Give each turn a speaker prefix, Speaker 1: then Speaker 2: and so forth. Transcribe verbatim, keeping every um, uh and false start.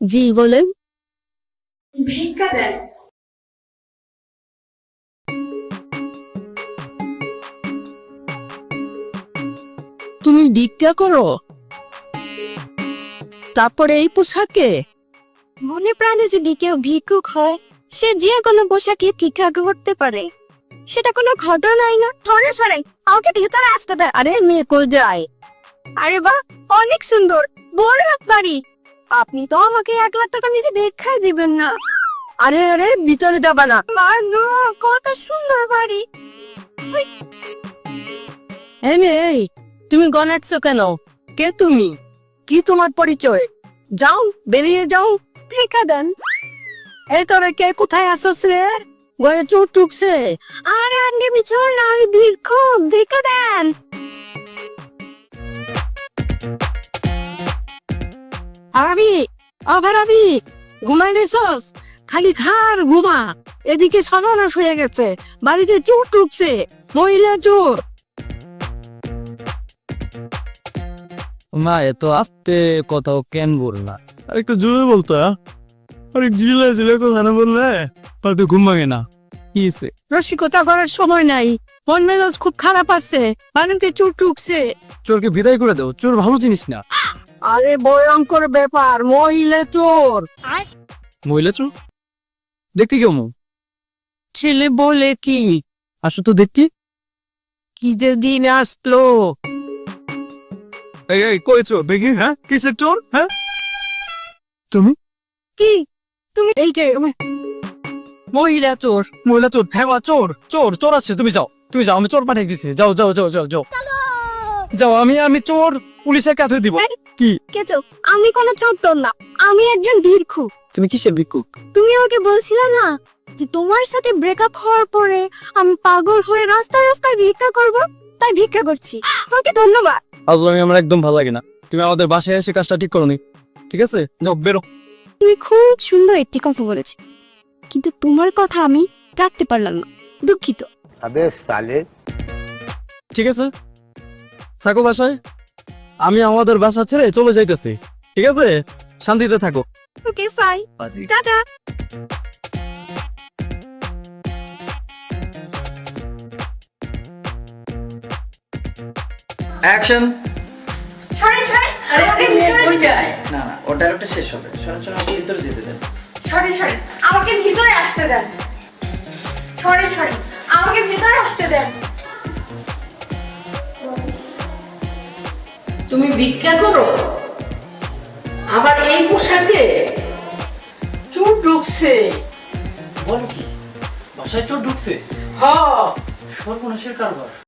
Speaker 1: জি বলেন।
Speaker 2: ভিক্ষা দেন।
Speaker 1: তুমি ভিক্ষা করো, তারপরে এই পোশাকে?
Speaker 2: মনে প্রাণে যদি কেউ ভিক্ষুক হয়, সে যে কোনো পোশাকে ভিক্ষা করতে পারে, সেটা কোনো ঘটনাই না। সরে সরে আমাকে ভিতরে আসতে দেয়।
Speaker 1: আরে মেয়ে কই যায়?
Speaker 2: আরে বাহ, অনেক সুন্দর, বড় বাড়ি। আপনি তো আমাকে এক লাখ টাকা নিচে দেখাই দিবেন না।
Speaker 1: আরে আরে ভিতরে যাবা না।
Speaker 2: মা গো, কত সুন্দর বাড়ি।
Speaker 1: এই মেয়ে, এই তুমি গনাচ্ছো কেন? কে তুমি? কি তোমার পরিচয়? যাও, বেরিয়ে যাও।
Speaker 2: ভিক্ষা দেন।
Speaker 1: এই তোরা কে, কোথায় আসছ রে? গয়ে চোট টুকছে।
Speaker 2: আরে আন্টি বিছর না, আমি ভিক্ষুক, ভিক্ষা দেন।
Speaker 1: আবি, আবার আবি, ঘুমাই নিছস? খালি খার ঘুমা। এদিকে সর্বনাশ হয়ে গেছে, বাড়িতে চোর টুকছে, মহিলা চোর।
Speaker 3: মা এত আস্তে কথাও কেন বললা? আর একটু জোরে বলতো। আরে জিলে জিলে কথা না বললে পাল্টে ঘুম ভাঙে না। কি হয়েছে?
Speaker 1: রসিকতা করার সময় নাই, মন মেজাজ খুব খারাপ আছে, বাড়িতে চোর টুকছে।
Speaker 3: চোরকে বিদায় করে দাও, চোর ভালো জিনিস না।
Speaker 1: আরে ভয়ঙ্কর ব্যাপার, মহিলা চোর।
Speaker 3: মহিলা চোর দেখতে কেমন?
Speaker 1: ছেলে বলে কি?
Speaker 3: আসো তো দেখি।
Speaker 1: কি যে দিন আসলো।
Speaker 3: এই এই কই চোর দেখি? হ্যাঁ কিসের চোর? হ্যাঁ তুমি?
Speaker 1: কি তুমি? এই যে মহিলা চোর।
Speaker 3: মহিলা চোর? হ্যাঁ মা, চোর চোর চোর আছে। তুমি যাও, তুমি যাও, আমি চোর পাঠিয়ে দিচ্ছি। যাও যাও যাও যাও যাও যাও। আমি আমি চোর পুলিশের কাছে দিব। কি?
Speaker 2: কেছো, আমি কোনো চোর টোর না, আমি একজন ভিক্ষুক।
Speaker 3: তুমি কিসের ভিক্ষুক?
Speaker 2: তুমি আমাকে বলছিলে না যে তোমার সাথে ব্রেকআপ হওয়ার পরে আমি পাগল হয়ে রাস্তায় রাস্তায় ভিক্ষা করব, তাই ভিক্ষা করছি। তোমাকে ধন্যবাদ।
Speaker 3: আজলামি আমার একদম ভালো লাগে না। তুমি আমাদের বাসায় এসে কাজটা ঠিক করোনি, ঠিক আছে? যাও বেরো।
Speaker 2: তুমি খুব সুন্দর একটি কথা বলেছ, কিন্তু তোমার কথা আমি রাখতে পারলাম না, দুঃখিত।
Speaker 4: अबे साले।
Speaker 3: ঠিক আছে, থাকো বাসায়। আমি আমাদের বাসা ছেড়ে চলে যাইতেছি, ঠিক আছে? শান্তিতে থাকো।
Speaker 2: ওকে ফাই, টাটা।
Speaker 5: অ্যাকশন।
Speaker 2: সরে সরে,
Speaker 1: আরে আরে মেয়ে কই যায়?
Speaker 5: না না, ওর ডায়লগটা শেষ হবে। শোনেন শোনেন, আমাকে ভিতরে যেতে দেন।
Speaker 2: সরে সরে, আমাকে ভিতরে আসতে দেন। সরে সরে, আমাকে ভিতরে আসতে দেন।
Speaker 1: তুমি ভিক্ষা করো, আবার এই পোশাকে? চোর ঢুকছে।
Speaker 5: বলো কি, বাসায় চোর ঢুকছে?
Speaker 1: হ,
Speaker 5: সর্বনাশের কারবার।